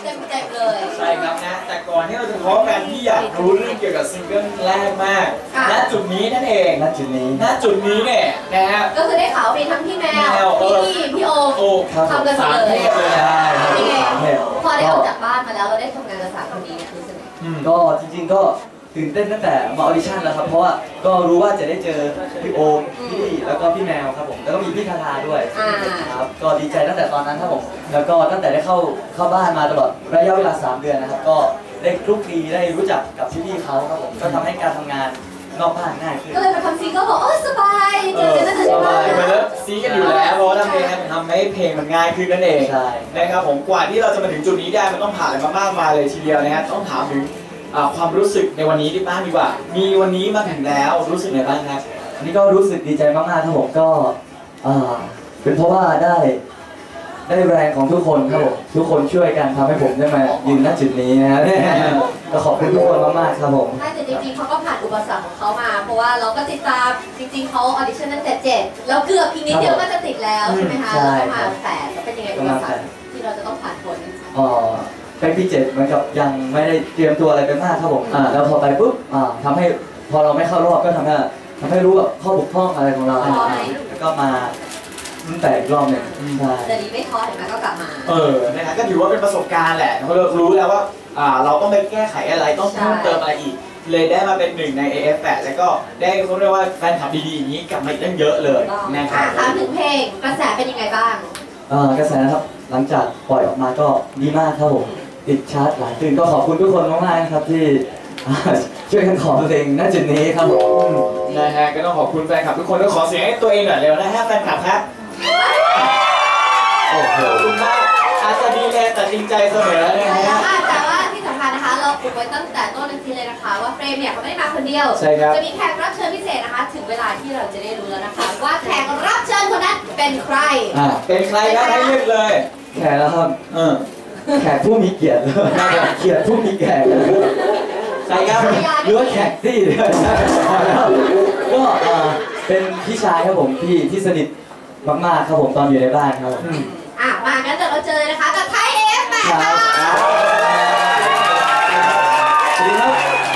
เต็มเลยใช่ครับนะแต่ก่อนที่เราจะพบกันที่อยากรู้เรื่องเกี่ยวกับซิงเกิลแรกมากณจุดนี้นั่นเองณจุดนี้เนี่ยนะฮะก็คือได้ข่าวมีทั้งพี่แมวพี่โอทำกันเลยพอได้ออกจากบ้านมาแล้วเราได้ทำงานกับสามคนนี้คือสนุกก็จริงๆก็ตื่นเต้นตั้งแต่มาออดิชั่นแล้วครับเพราะว่าก็รู้ว่าจะได้เจอพี่โอมพี่แล้วก็พี่แมวครับผมแล้วก็มีพี่ทาทาด้วยครับก็ดีใจตั้งแต่ตอนนั้นครับผมแล้วก็ตั้งแต่ได้เข้าบ้านมาตลอดระยะเวลา3 เดือนนะครับก็ได้คลุกคลีได้รู้จักกับพี่เขาครับผมก็ทำให้การทำงานนอกบ้านง่ายขึ้นก็เลยมาทำซีก็บอกสบายเจอกันตั้งแต่สบายไปแล้วซีกันอยู่แล้วเพราะว่าทำให้เพลงมันง่ายขึ้นนั่นเองนะครับผมกว่าที่เราจะมาถึงจุดนี้ได้มันต้องผ่านอะไรมามากมายเลยทีเดียวนะฮะต้องถามถึงความรู้สึกในวันนี้ที่บ้างดีกว่ามีวันนี้มาถึงแล้วรู้สึกไงบ้างครับอันนี้ก็รู้สึกดีใจมากๆครับผมก็เป็นเพราะว่าได้แรงของทุกคนครับผมทุกคนช่วยกันทำให้ผมได้มายืนณจุดนี้นะครับก็ขอบคุณทุกคนมากๆครับผมใช่แต่จริงๆเขาก็ผ่านอุปสรรคของเขามาเพราะว่าเราก็ติดตามจริงๆเขาออดิชั่นตั้งแต่7แล้วเกือบอีกนิดเดียวก็จะติดแล้วใช่ไหมคะแล้วก็มา8แล้วเป็นยังไงอุปสรรคที่เราจะต้องผ่านพ้นไปปี7เหมือนกับยังไม่ได้เตรียมตัวอะไรไปมากครับผมแล้วพอไปปุ๊บทำให้พอเราไม่เข้ารอบก็ทำให้รู้แบบข้อบกพร่องอะไรของเราแล้วก็มารุ่นแต่อีกรอบหนึ่งแต่ดีไม่ท้อเห็นไหมก็กลับมานะฮะก็ถือว่าเป็นประสบการณ์แหละเรารู้แล้วว่าเราต้องไปแก้ไขอะไรต้องเพิ่มเติมอะไรอีกเลยได้มาเป็นหนึ่งใน AF8 แล้วก็ได้เขาเรียกว่าแฟนคลับดีๆอย่างนี้กลับมาอีกตั้งเยอะเลยนะครับถามถึงเพลงกระแสเป็นยังไงบ้างกระแสนะครับหลังจากปล่อยออกมาก็ดีมากครับผมติดชาร์ตหลายตื่นก็ขอบคุณทุกคนมากๆนะครับที่ช่วยกันขอเพลงณจุดนี้ครับผมนะฮะก็ต้องขอบคุณแฟนคลับทุกคนแล้วขอเสียงให้ตัวเองหน่อยเร็วนะฮะแฟนคลับครับโอ้โหขอบคุณมากอาจจะดีแลแต่จริงใจเสมอนะฮะแต่ว่าที่สำคัญนะคะเราอุบไว้ตั้งแต่ต้นทีเลยนะคะว่าเฟรมเนี่ยเขาไม่ได้มาคนเดียวจะมีแขกรับเชิญพิเศษนะคะถึงเวลาที่เราจะได้รู้แล้วนะคะว่าแขกรับเชิญคนนั้นเป็นใครเป็นใครครับให้เลือกเลยแขกแล้วครับแขกผู้มีเกียรติเกียรติผู้มีแขกใช่ครับหรือว่าแขกที่ก็เป็นพี่ชายครับผมที่สนิทมากๆครับผมตอนอยู่ในบ้านครับมางั้นเดี๋ยวเราเจอนะคะกับไทย AF8 ค่ะสวัสดีครับ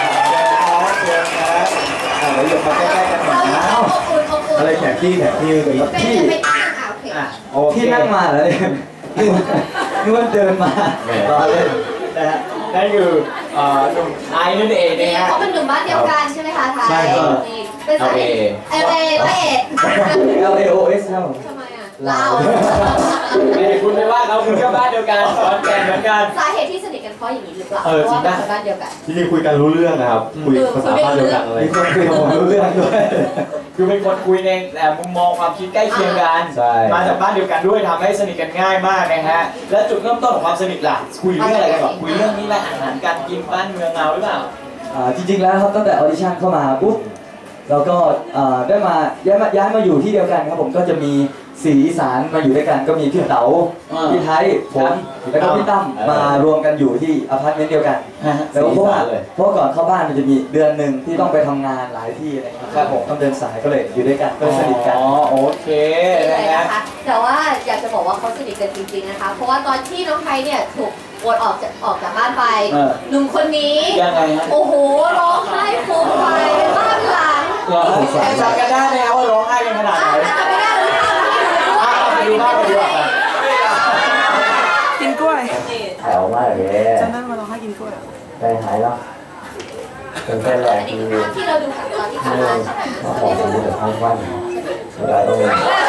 เราอยู่มาใกล้ๆกันหน่อยนะอะไรแขกที่ที่นั่งมาเลยนึกว่าเดินมาตอนเล่นนั่นคือหนุ่มไอ้นั่นเองนะฮะเขาเป็นหนุ่มบ้านเดียวกันใช่ไหมคะไทยใช่ครับเป็นสายLA พระเอก LAOS ครับทำไมเราคุณไม่ว่าเราคุณก็บ้านเดียวกันสอนแก่เหมือนกันสาเหตุที่สนิทกันเพราะอย่างนี้หรือเปล่าเพราะว่าเป็นบ้านเดียวกันจริงๆคุยกันรู้เรื่องนะครับคุยภาษาบ้านเดียวกันอะไรมีคนคุยกับผมรู้เรื่องด้วยคือเป็นคนคุยในมุมมองความคิดใกล้เคียงกันมาจากบ้านเดียวกันด้วยทำให้สนิทกันง่ายมากนะฮะและจุดเริ่มต้นของความสนิทล่ะคุยเรื่องอะไรกันก่อนคุยเรื่องนี้แหละอาหารการกินบ้านเมืองเราหรือเปล่าจริงๆแล้วครับตั้งแต่ออดิชั่นเข้ามาปุ๊บเราก็ได้มาย้ายมาอยู่ที่เดียวกันครับผมก็จะมี4 อีสานมาอยู่ด้วยกันก็มีพี่เต๋าพี่ไทยผมแล้วก็พี่ตั้มมารวมกันอยู่ที่อพาร์ตเมนต์เดียวกันแล้วเพราะก่อนเข้าบ้านมันจะมีเดือนหนึ่งที่ต้องไปทำงานหลายที่อะไรครับผมต้องเดินสายก็เลยอยู่ด้วยกันก็สนิทกันโอเคนะคะแต่ว่าอยากจะบอกว่าเขาสนิทกันจริงๆนะคะเพราะว่าตอนที่น้องไทยเนี่ยถูกโอนออกจากบ้านไปหนุ่มคนนี้โอ้โหร้องไห้ฟูมไฟบ้านหลังจำกันได้ไหมว่าร้องไห้กันขนาดไหนจำไม่ได้เลยดูภาพไปดูกินกล้วยแถวมากเลยจำได้มาร้องไห้กินกล้วยใจหายแล้วเป็นแรกที่เราดูตอนที่ผ่านมาใช่ไหมขอผมดูทั้งวันเวลาต้อง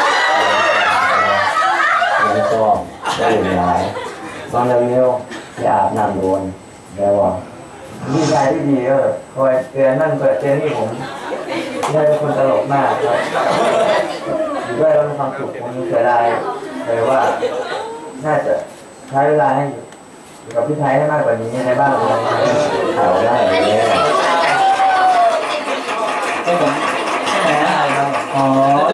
แล้วก็ได้อยู่หลายตอนเร็วๆอย่าอาบน้ำโดนแล้วว่าพี่ชายที่ดีก็คอยเตือนนั่นเตือนนี่ผมได้เป็นคนตลกมากครับด้วยแล้วมีความสุขผมเสียดายเลยว่าน่าจะใช้เวลาให้อยู่กับพี่ไทยให้มากกว่านี้ในบ้านเราถ่ายได้เลยใช่ไหมอะไรครับอ๋อ